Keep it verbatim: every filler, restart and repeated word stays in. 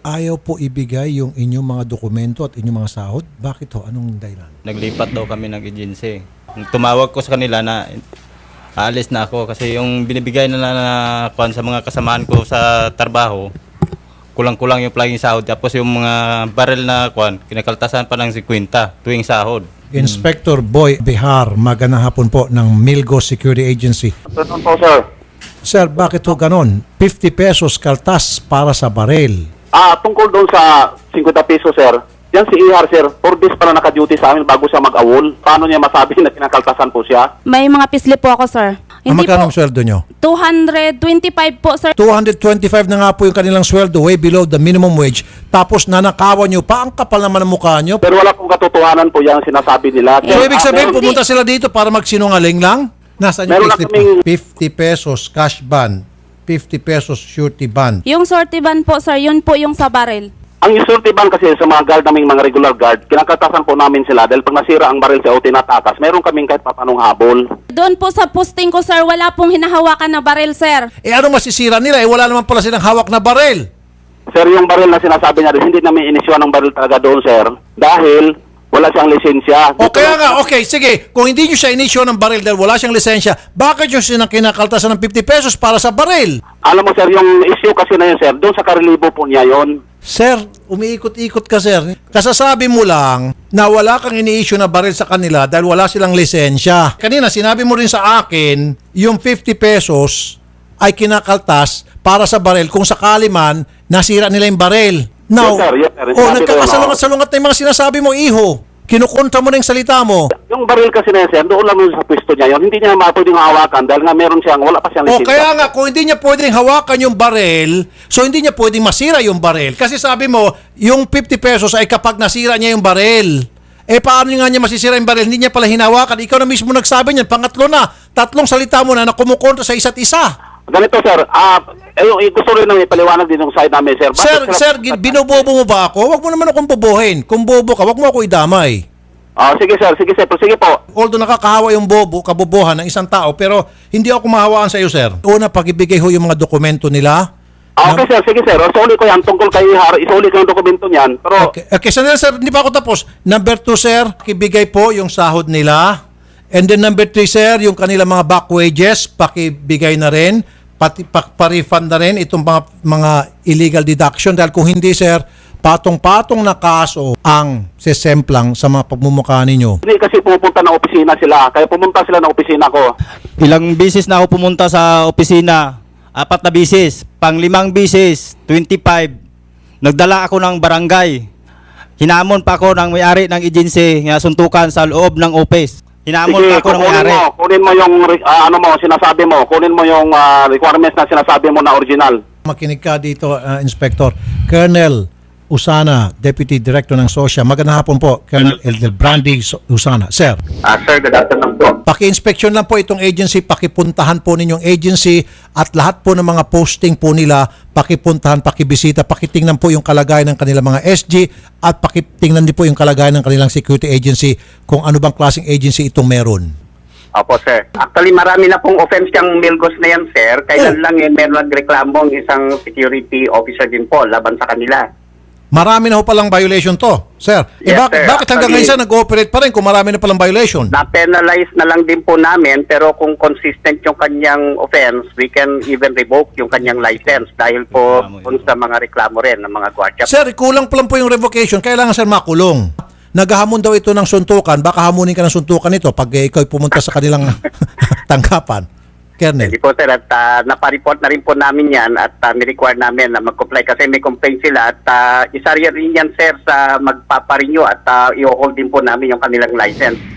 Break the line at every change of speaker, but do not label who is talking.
ayaw po ibigay yung inyong mga dokumento at inyong mga sahod? Bakit ho? Anong dahilan?
Naglipat daw kami ng agency. Tumawag ko sa kanila na aalis na ako kasi yung binibigay na na, na kuwan sa mga kasamahan ko sa trabaho, kulang-kulang yung palaging sahod. Tapos yung mga barrel na kuwan, kinakaltasan pa ng fifty tuwing sahod.
Inspector Boy Bihar, magandang hapon po ng Milgo Security Agency.
Ganun po, sir.
Sir, bakit ho ganon? fifty pesos kaltas para sa baril.
Ah, tungkol doon sa fifty pesos, sir. Yan si Ihar, sir. four days pa na naka-duty sa amin bago siya mag-awol. Paano niya masabi na kinakaltasan po siya?
May mga pislip po ako, sir.
Ang magkano ang sweldo nyo?
two hundred twenty-five po, sir.
two hundred twenty-five na nga po yung kanilang sweldo, way below the minimum wage. Tapos nanakawan nyo pa, ang kapal naman ang mukha nyo.
Pero wala pong katotohanan po yan sinasabi nila.
So, ibig
Ah,
sabihin,
meron-
pumunta sila dito para magsinungaling lang? Nasaan yung
Meron na
payslip?
kaming-
fifty pesos cash ban, fifty pesos surety ban.
Yung sorty ban po, sir, yun po yung sa baril.
Ang isulti ban kasi sa mga guard naming mga regular guard, kinakaltasan po namin sila dahil pag nasira ang baril sa o tinatakas, meron kaming kahit papanong habol.
Doon po sa posting ko, sir, wala pong hinahawakan na baril, sir.
Eh ano masisira nila? Eh wala naman pala silang hawak na baril.
Sir, yung baril na sinasabi niya, hindi namin inisyuan ng baril talaga doon, sir. Dahil wala siyang lisensya.
O kaya nga, okay, sige, kung hindi nyo siya inisyo ng baril dahil wala siyang lisensya, bakit nyo siya kinakaltasan ng fifty pesos para sa baril?
Alam mo, sir, yung issue kasi na yun, sir, doon sa karilibo po niya yon.
Sir, umiikot-ikot ka, sir. Kasasabi mo lang na wala kang ini-issue na baril sa kanila dahil wala silang lisensya. Kanina, sinabi mo rin sa akin, yung fifty pesos ay kinakaltas para sa baril kung sakali man nasira nila yung baril. Now,
Yes, sir. Yes, sir.
oh,
Sinabi ko
nagkakasalungat-salungat na yung mga sinasabi mo, iho. Kinukontra mo na yung salita mo.
Yung baril kasi na yun, sir, doon lang yun sa pwesto niya yun. Hindi niya ma- pwedeng hawakan dahil nga meron siyang, wala pa siyang
O
lisensya.
kaya nga, kung hindi niya pwedeng hawakan yung baril, so hindi niya pwedeng masira yung baril. Kasi sabi mo, yung fifty pesos ay kapag nasira niya yung baril. Eh paano nga niya masisira yung baril? Hindi niya pala hinawakan. Ikaw na mismo nagsabi niyan. Pangatlo na, tatlong salita mo na na kumukontra sa isa't isa.
Ganito, sir, ah, eh, yung, eh, gusto rin nang ipaliwanag din yung side namin, sir. Bakit
Sir,
sila-
sir, gin- binobobo mo ba ako? Huwag mo naman akong bobohin. Kung bobo ka, huwag mo ako idamay.
Ah, sige, sir, sige, sir, pero sige po.
Although nakakahawa yung bobo, kabobohan ng isang tao, pero hindi ako mahawaan sa iyo, sir. Una, pag-ibigay ho yung mga dokumento nila.
Ah, okay, sir, sige, sir. Isuli ko yan tungkol kay Ihar, isuli ko yung dokumento niyan. Pero,
Okay, okay sandali, sir, hindi pa ako tapos. Number two, sir, ibigay po yung sahod nila. And then number three, sir, yung kanilang mga back wages, pakibigay na rin. Pati pa, pa-refund na rin itong mga, mga illegal deduction. Dahil kung hindi, sir, patong-patong na kaso ang sesemplang sa mga pagmumukha ninyo.
hindi kasi pupunta ng opisina sila. Kaya pumunta sila ng opisina ko.
Ilang bisis na ako pumunta sa opisina, apat na bisis, pang limang bisis, twenty-five. Nagdala ako ng barangay. Hinamon pa ako ng may-ari ng agency na suntukan sa loob ng office. Hinamon
Sige,
pa ako ng
kunin
may-ari.
mo, kunin mo yung, ah, ano mo, sinasabi mo, kunin mo yung ah, requirements na sinasabi mo na original.
Makinig ka dito, uh, Inspector. Colonel Usana, Deputy Director ng SOSYA. Magandang hapon po, Colonel Eldel Brandy Usana. Sir,
Ah, sir, good afternoon po.
paki-inspection lang po itong agency, pakipuntahan po ninyong agency at lahat po ng mga posting po nila, pakipuntahan, pakibisita, pakitingnan po yung kalagayan ng kanilang mga S G at pakitingnan din po yung kalagayan ng kanilang security agency kung ano bang klaseng agency itong meron.
Opo, sir. Actually, marami na pong offense yung Milgos na yan, sir. Kailan
Oh.
lang eh, meron nagreklamo ang isang security officer din po laban sa kanila.
Marami na ho palang violation to, sir. Eh,
Yes,
bakit,
sir.
bakit hanggang ngayon sir nag-ooperate pa rin kung marami na palang violation?
Na-penalize na lang din po namin, pero kung consistent yung kanyang offense, we can even revoke yung kanyang license dahil po kung sa mga reklamo rin ng mga gwardiya.
Sir, kulang pa lang po yung revocation. Kailangan sir makulong. Naghahamon daw ito ng suntukan. Baka hamunin ka ng suntukan nito pag eh, ikaw pumunta sa kanilang tanggapan. Colonel.
Hindi po, sir. At uh, napareport na rin po namin yan at uh, ni-require namin na mag-comply kasi may complaint sila at uh, isa rin yan, sir, sa magpaparenew at uh, i-hold din po namin yung kanilang license.